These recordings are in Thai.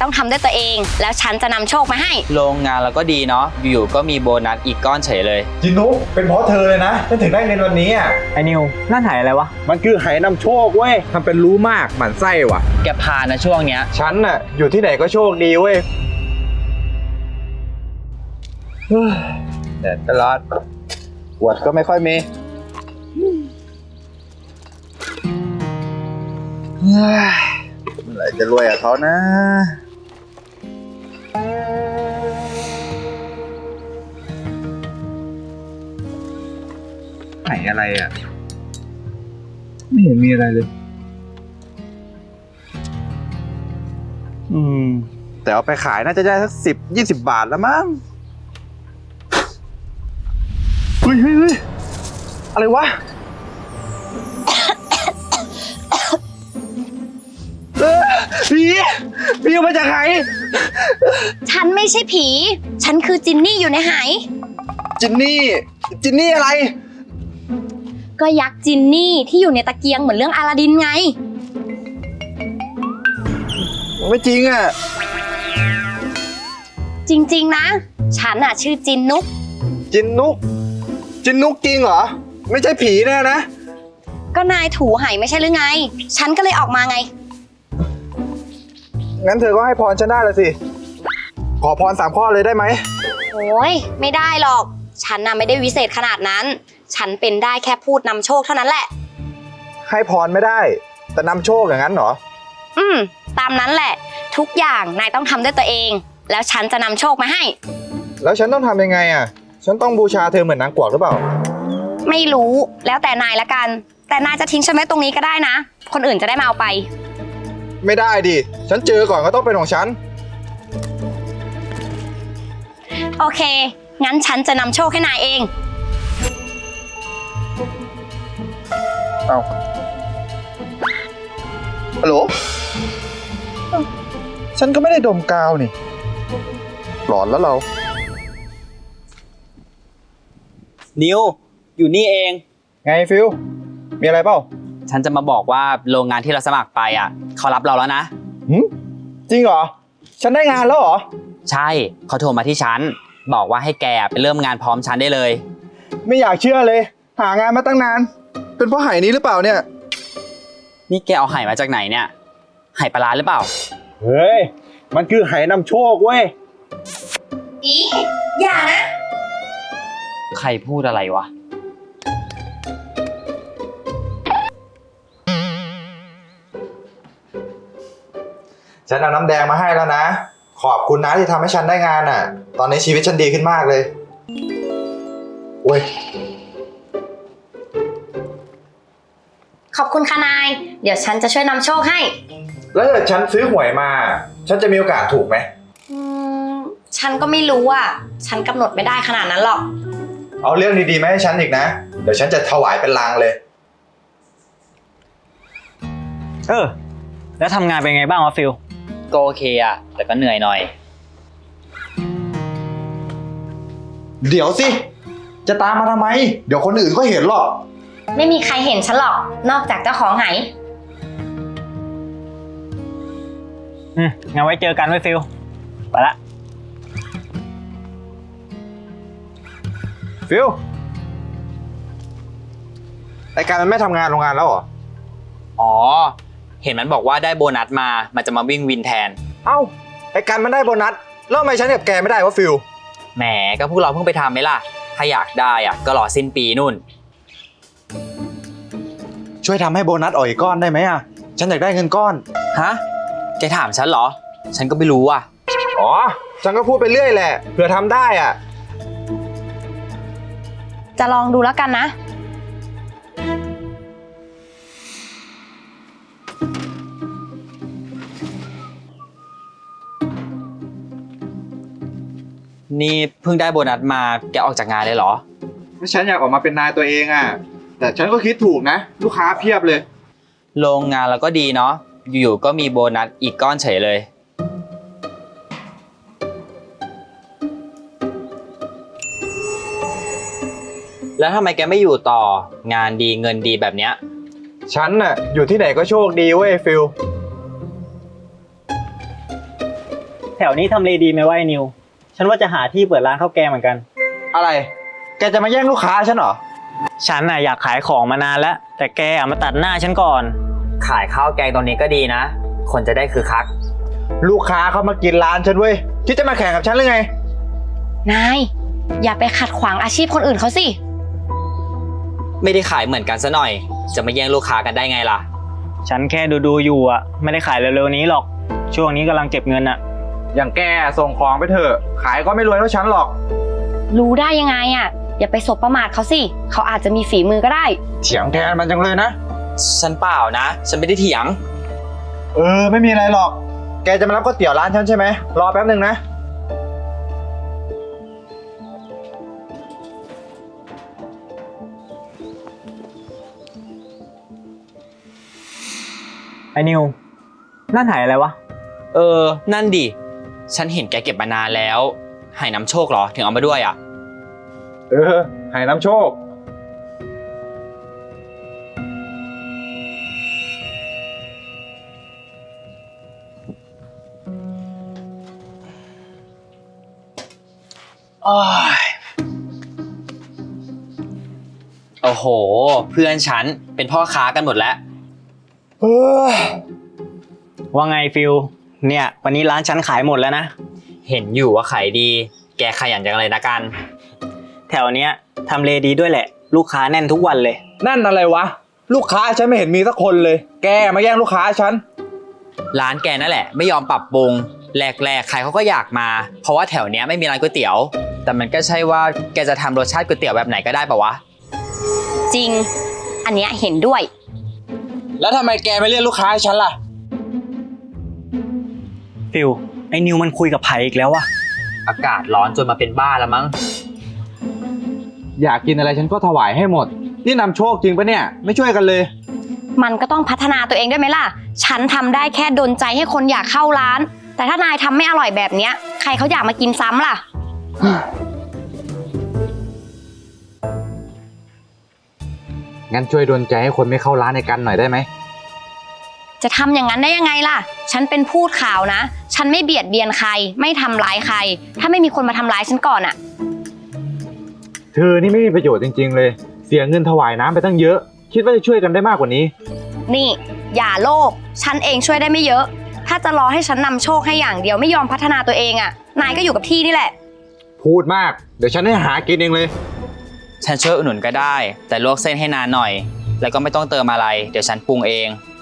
ต้องทำด้วยตัวเองแล้วฉันจะนำโชคมาให้โรงงานเราก็ดีเนาะอยู่ๆก็มีโบนัสอีกก้อนเฉยเลยจินุเป็นเพราะเธอเลยนะฉันถึงได้เงินวันนี้อ่ะไอ้นิวนั่นหายอะไรวะมันคือไหนำโชคเว้ยทำเป็นรู้มากหมั่นไส้ว่ะแกพานะช่วงเนี้ยฉันน่ะอยู่ที่ไหนก็โชคดีเว้ยแดดก็ร้อนขวดก็ไม่ค่อยมีเมื่อไหร่จะรวยกับเขานะไหนอะไรอ่ะไม่เห็นมีอะไรเลยแต่เอาไปขายน่าจะได้สัก10-20 บาทแล้วมั้งเฮ้ยอะไรวะพี่มาจากไหนฉันไม่ใช่ผีฉันคือจินนี่อยู่ในหายจินนี่อะไรก็ยักษ์จินนี่ที่อยู่ในตะเกียงเหมือนเรื่องอลาดินไงไม่จริงอ่ะจริงๆนะฉันน่ะชื่อจินนุกจริงเหรอไม่ใช่ผีแน่นะก็นายถูไหไม่ใช่หรือไงฉันก็เลยออกมาไงงั้นเธอก็ให้พรฉันได้ละสิขอพร3 ข้อเลยได้ไหมโอ้ยไม่ได้หรอกฉันน่ะไม่ได้วิเศษขนาดนั้นฉันเป็นได้แค่พูดนำโชคเท่านั้นแหละให้พรไม่ได้แต่นำโชคอย่างนั้นเหรอตามนั้นแหละทุกอย่างนายต้องทำด้วยตัวเองแล้วฉันจะนำโชคมาให้แล้วฉันต้องทำยังไงอ่ะฉันต้องบูชาเธอเหมือนนางกวักหรือเปล่าไม่รู้แล้วแต่นายละกันแต่นายจะทิ้งฉันไว้ตรงนี้ก็ได้นะคนอื่นจะได้มาเอาไปไม่ได้ดิฉันเจอก่อนก็ต้องเป็นของฉันโอเคงั้นฉันจะนำโชคให้นายเองเอาฮัลโหลฉันก็ไม่ได้ดมกาวนี่หลอนแล้วเรานิวอยู่นี่เองไงฟิลมีอะไรเปล่าฉันจะมาบอกว่าโรงงานที่เราสมัครไปอ่ะเขารับเราแล้วนะจริงเหรอฉันได้งานแล้วเหรอใช่เขาโทรมาที่ฉันบอกว่าให้แกไปเริ่มงานพร้อมฉันได้เลยไม่อยากเชื่อเลยหางานมาตั้งนานเป็นเพราะไหนี้หรือเปล่าเนี่ยนี่แกเอาไหมาจากไหนเนี่ยไหปลาร้าหรือเปล่าเฮ้ยมันคือไหนำโชคเว้ยอย่านะใครพูดอะไรวะฉันเอาน้ำแดงมาให้แล้วนะขอบคุณนะที่ทำให้ฉันได้งานอ่ะตอนนี้ชีวิตฉันดีขึ้นมากเลยโอ้ยขอบคุณค่ะนายเดี๋ยวฉันจะช่วยนำโชคให้แล้วถ้าฉันซื้อหวยมาฉันจะมีโอกาสถูกไหมฉันก็ไม่รู้อ่ะฉันกำหนดไม่ได้ขนาดนั้นหรอกเอาเรื่องดีๆมาให้ฉันอีกนะเดี๋ยวฉันจะถวายเป็นลางเลยแล้วทำงานเป็นไงบ้างวะฟิลก็โอเคอะแต่ก็เหนื่อยหน่อยเดี๋ยวสิจะตามมาทำไมเดี๋ยวคนอื่นก็เห็นหรอกไม่มีใครเห็นฉันหรอกนอกจากเจ้าของไหงั้นไว้เจอกันไว้ฟิลไปละฟิลไอ้การมันไม่ทำงานโรงงานแล้วเหรออ๋อเห็นมันบอกว่าได้โบนัสมามันจะมาวิ่งวินแทนเอ้าไอ้การมันได้โบนัสแล้วทำไมฉันกับแกไม่ได้วะฟิลแหมก็พวกเราเพิ่งไปทำไหมล่ะถ้าอยากได้อะก็รอสิ้นปีนู่นช่วยทำให้โบนัสออกอีกก้อนได้ไหมอ่ะฉันอยากได้เงินก้อนฮะแกถามฉันเหรอฉันก็ไม่รู้อ่ะอ๋อฉันก็พูดไปเรื่อยแหละเผื่อทำได้อ่ะจะลองดูแล้วกันนะนี่เพิ่งได้โบนัสมาแกออกจากงานเลยเหรอฉันอยากออกมาเป็นนายตัวเองอ่ะแต่ฉันก็คิดถูกนะลูกค้าเพียบเลยโรงงานเราก็ดีเนาะอยู่ๆก็มีโบนัสอีกก้อนเฉยเลย แล้วทำไมแกไม่อยู่ต่องานดีเงินดีแบบเนี้ยฉันน่ะอยู่ที่ไหนก็โชคดีเว้ยฟิลถวนี้ทำเลดีไหมวะไอ้นิว ฉันว่าจะหาที่เปิดร้านข้าวแกงเหมือนกันอะไร แกจะมาแย่งลูกค้าฉันเหรอฉันน่ะอยากขายของมานานแล้ว แต่แกมาตัดหน้าฉันก่อนขายข้าวแกงตรงนี้ก็ดีนะ คนจะได้คึกคักลูกค้าเขามากินร้านฉันเว้ยคิดจะมาแข่งกับฉันหรือไงนาย อย่าไปขัดขวางอาชีพคนอื่นเขาสิไม่ได้ขายเหมือนกันซะหน่อย จะมาแย่งลูกค้ากันได้ไงล่ะฉันแค่ดูอยู่อ่ะ ไม่ได้ขายเร็วๆนี้หรอก ช่วงนี้กำลังเก็บเงินอ่ะอย่างแกส่งของไปเถอะ ขายก็ไม่รวยเท่าฉันหรอกรู้ได้ยังไงอ่ะ อย่าไปสบประมาทเขาสิ เขาอาจจะมีฝีมือก็ได้เถียงแทนมันจังเลยนะฉันเปล่านะ ฉันไม่ได้เถียงไม่มีอะไรหรอก แกจะมารับก๋วยเตี๋ยวร้านฉันใช่ไหม รอแป๊บหนึ่งนะไอ้นิว นั่นหายอะไรวะนั่นดิ ฉันเห็นแกเก็บมานานแล้วหายน้ำโชคเหรอ ถึงเอามาด้วยอ่ะให้น้ำโชคโอ้โห เพื่อนฉันเป็นพ่อค้ากันหมดแล้วว่าไงฟิลเนี่ยวันนี้ร้านฉันขายหมดแล้วนะเห็นอยู่ว่าขายดี แกขยันจังเลยนะกันแถวเนี้ยทำเลดีด้วยแหละ ลูกค้าแน่นทุกวันเลยนั่นอะไรวะ ลูกค้าฉันไม่เห็นมีสักคนเลย แกมาแย่งลูกค้าฉันร้านแกนั่นแหละไม่ยอมปรับปรุงแรกๆใครเขาก็อยากมา เพราะว่าแถวเนี้ยไม่มีร้านก๋วยเตี๋ยว แต่มันก็ใช่ว่าแกจะทำรสชาติก๋วยเตี๋ยวแบบไหนก็ได้ปะวะจริง อันเนี้ยเห็นด้วยแล้วทำไมแกไม่เรียกลูกค้าให้ฉันล่ะฟิลไอ้นิวมันคุยกับไผ่อีกแล้ววะอากาศร้อนจนมาเป็นบ้าแล้วมั้งอยากกินอะไรฉันก็ถวายให้หมด นี่นำโชคจริงปะเนี่ย ไม่ช่วยกันเลยมันก็ต้องพัฒนาตัวเองด้วยไหมล่ะ ฉันทำได้แค่ดลใจให้คนอยากเข้าร้าน แต่ถ้านายทำไม่อร่อยแบบเนี้ย ใครเขาอยากมากินซ้ำล่ะงั้นช่วยดลใจให้คนไม่เข้าร้านในกันหน่อยได้ไหมจะทำอย่างนั้นได้ยังไงล่ะ ฉันเป็นพูดข่าวนะ ฉันไม่เบียดเบียนใคร ไม่ทำร้ายใคร ถ้าไม่มีคนมาทำร้ายฉันก่อนอะเธอนี่ไม่มีประโยชน์จริงๆเลย เสียเงินถวายน้ำไปตั้งเยอะ คิดว่าจะช่วยกันได้มากกว่านี้นี่ อย่าโลภ ฉันเองช่วยได้ไม่เยอะ ถ้าจะรอให้ฉันนำโชคให้อย่างเดียวไม่ยอมพัฒนาตัวเองอะนายก็อยู่กับที่นี่แหละพูดมาก เดี๋ยวฉันให้หากินเองเลยฉันช่วยอุดหนุนก็ได้ แต่ลวกเส้นให้นานหน่อย แล้วก็ไม่ต้องเติมอะไร เดี๋ยวฉันปรุงเอง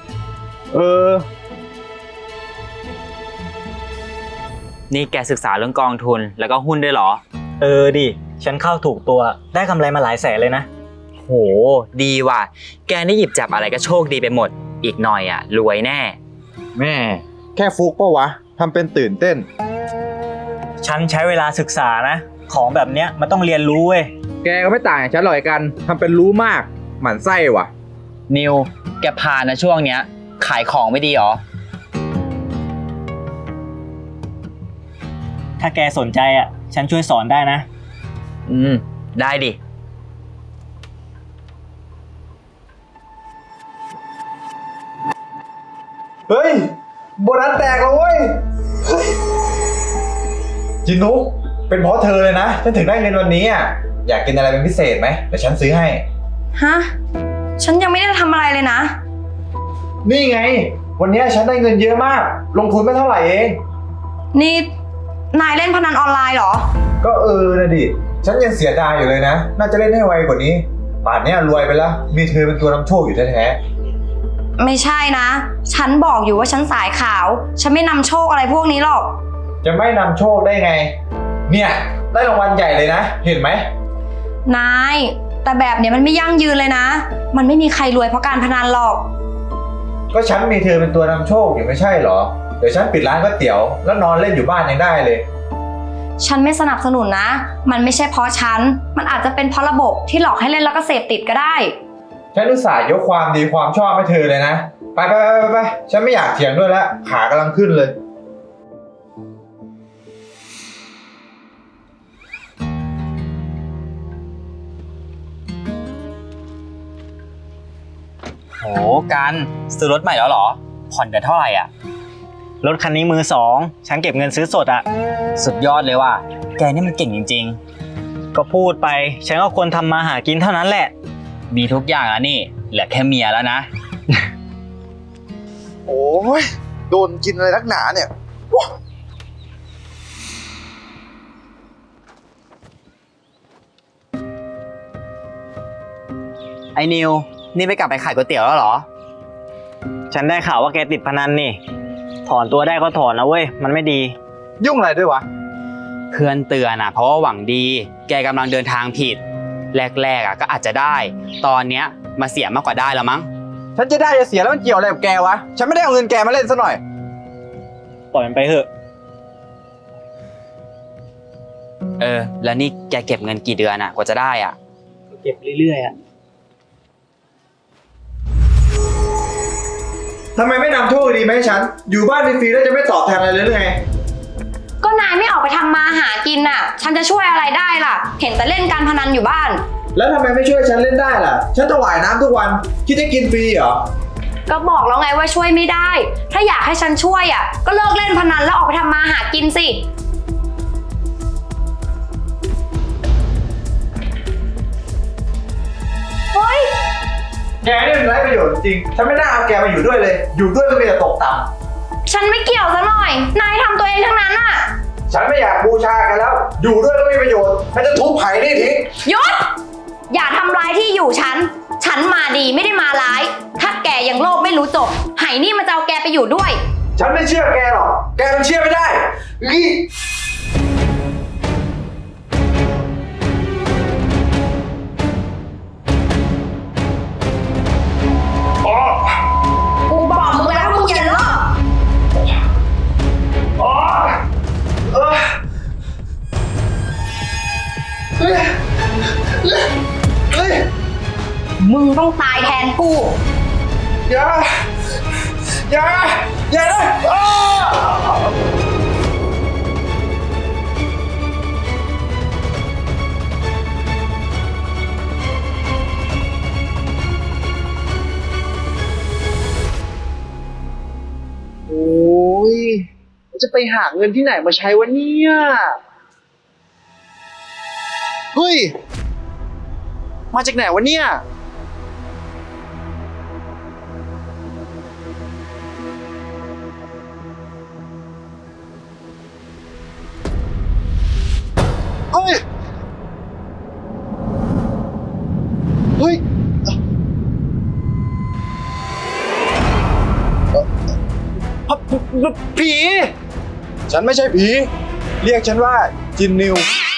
นี่แกศึกษาเรื่องกองทุนแล้วก็หุ้นด้วยเหรอดิ ฉันเข้าถูกตัวได้กำไรมาหลายแสนเลยนะโห ดีว่ะ แกนี่หยิบจับอะไรก็โชคดีไปหมด อีกหน่อยอ่ะรวยแน่แม่ แค่ฟุกปะวะทำเป็นตื่นเต้นฉันใช้เวลาศึกษานะ ของแบบเนี้ยมันต้องเรียนรู้เว้ยแกก็ไม่ต่างจากฉันหรอกกันทำเป็นรู้มาก หมั่นไส้ว่ะนิว แกพานะช่วงเนี้ย ขายของไม่ดีหรอถ้าแกสนใจอ่ะ ฉันช่วยสอนได้นะได้ดิเฮ้ย โบนัสแตกแล้วเว้ยจินุกเป็นเพราะเธอเลยนะ ฉันถึงได้เงินวันนี้อ่ะ อยากกินอะไรเป็นพิเศษไหมเดี๋ยวฉันซื้อให้ฮะ ฉันยังไม่ได้ทำอะไรเลยนะนี่ไง วันนี้ฉันได้เงินเยอะมาก ลงทุนไม่เท่าไหร่เองนี่ นายเล่นพนันออนไลน์เหรอก็นะดิ ฉันยังเสียดายอยู่เลยนะ น่าจะเล่นให้ไวกว่านี้ ป่านนี้รวยไปแล้ว มีเธอเป็นตัวนำโชคอยู่แท้ไม่ใช่นะ ฉันบอกอยู่ว่าฉันสายขาว ฉันไม่นำโชคอะไรพวกนี้หรอกๆ จะไม่นำโชคได้ไง เนี่ยได้รางวัลใหญ่เลยนะ เห็นไหมนาย แต่แบบเนี้ยมันไม่ยั่งยืนเลยนะ มันไม่มีใครรวยเพราะการพนันหรอกก็ฉันมีเธอเป็นตัวนำโชคอยู่ไม่ใช่เหรอ เดี๋ยวฉันปิดร้านก๋วยเตี๋ยวแล้วนอนเล่นอยู่บ้านยังได้เลยฉันไม่สนับสนุนนะ มันไม่ใช่เพราะฉัน มันอาจจะเป็นเพราะระบบที่หลอกให้เล่นแล้วก็เสพติดก็ได้ฉันอุตส่าห์ยกความดีความชอบให้เธอเลยนะ ไปฉันไม่อยากเถียงด้วยแล้ว ขากำลังขึ้นเลยโหกันซื้อรถใหม่แล้วเหรอ ผ่อนเดือนเท่าไหร่อ่ะรถคันนี้มือสอง ฉันเก็บเงินซื้อสดอะสุดยอดเลยว่ะ แกนี่มันเก่งจริงก็พูดไป ฉันก็ควรทำมาหากินเท่านั้นแหละๆ มีทุกอย่างแล้วนี่ เหลือแค่เมียแล้วนะโอ้ยโดนกินอะไรนักหนาเนี่ยไอ้นิว นี่ไม่กลับไปขายก๋วยเตี๋ยวแล้วเหรอฉันได้ข่าวว่าแกติดพนันนี่ ถอนตัวได้ก็ถอนนะเว้ย มันไม่ดียุ่งอะไรด้วยวะเพื่อนเตือนนะเพราะว่าหวังดี แกกำลังเดินทางผิด แรกๆก็อาจจะได้ ตอนเนี้ยมาเสียมากกว่าได้แล้วมั้งฉันจะได้จะเสียแล้วมันเกี่ยวอะไรกับแกวะ ฉันไม่ได้เอาเงินแกมาเล่นซะหน่อยปล่อยมันไปเถอะแล้วนี่แกเก็บเงินกี่เดือนอะกว่าจะได้อะเก็บเรื่อยๆอะทำไมไม่นำโชคดีมาให้ฉัน อยู่บ้านฟรีๆแล้วจะไม่ตอบแทนอะไรเลยหรือไงก็นายไม่ออกไปทำมาหากินน่ะ ฉันจะช่วยอะไรได้ล่ะ เห็นแต่เล่นการพนันอยู่บ้านแล้วทำไมไม่ช่วยฉันเล่นได้ล่ะ ฉันถวายน้ำทุกวัน คิดจะกินฟรีเหรอก็บอกแล้วไงว่าช่วยไม่ได้ ถ้าอยากให้ฉันช่วยอ่ะ ก็เลิกเล่นพนันแล้วออกไปทำมาหากินสิ เฮ้ยแกนี่มันไร้ประโยชน์จริง ฉันไม่น่าเอาแกมาอยู่ด้วยเลย อยู่ด้วยก็มีแต่ตกต่ฉันไม่เกี่ยวซะหน่อย นายทำตัวเองทั้งนั้นอ่ะำฉันไม่อยากบูชาแกแล้ว อยู่ด้วยก็ไม่มีประโยชน์ฉันจะทุบไผ่นี่ทิ้งหยุด อย่าทำร้ายที่อยู่ฉัน ฉันมาดีไม่ได้มาร้าย ถ้าแกยังโลภไม่รู้จบ ไหนี่มันจะเอาแกไปอยู่ด้วยฉันไม่เชื่อแกหรอก แกมันเชื่อไม่ได้อีอ๋อกูบอกมึงแล้วมึงอย่าเลิกอ๋อเฮ้ยเฮ้ยมึงต้องตายแทนกูอย่าอย่าอย่านะอ้าโอ้ยจะไปหาเงินที่ไหนมาใช้วะเนี่ยเฮ้ย มาจากไหนวะเนี่ย เฮ้ย เฮ้ย ผี ฉันไม่ใช่ผี เรียกฉันว่าจินนิว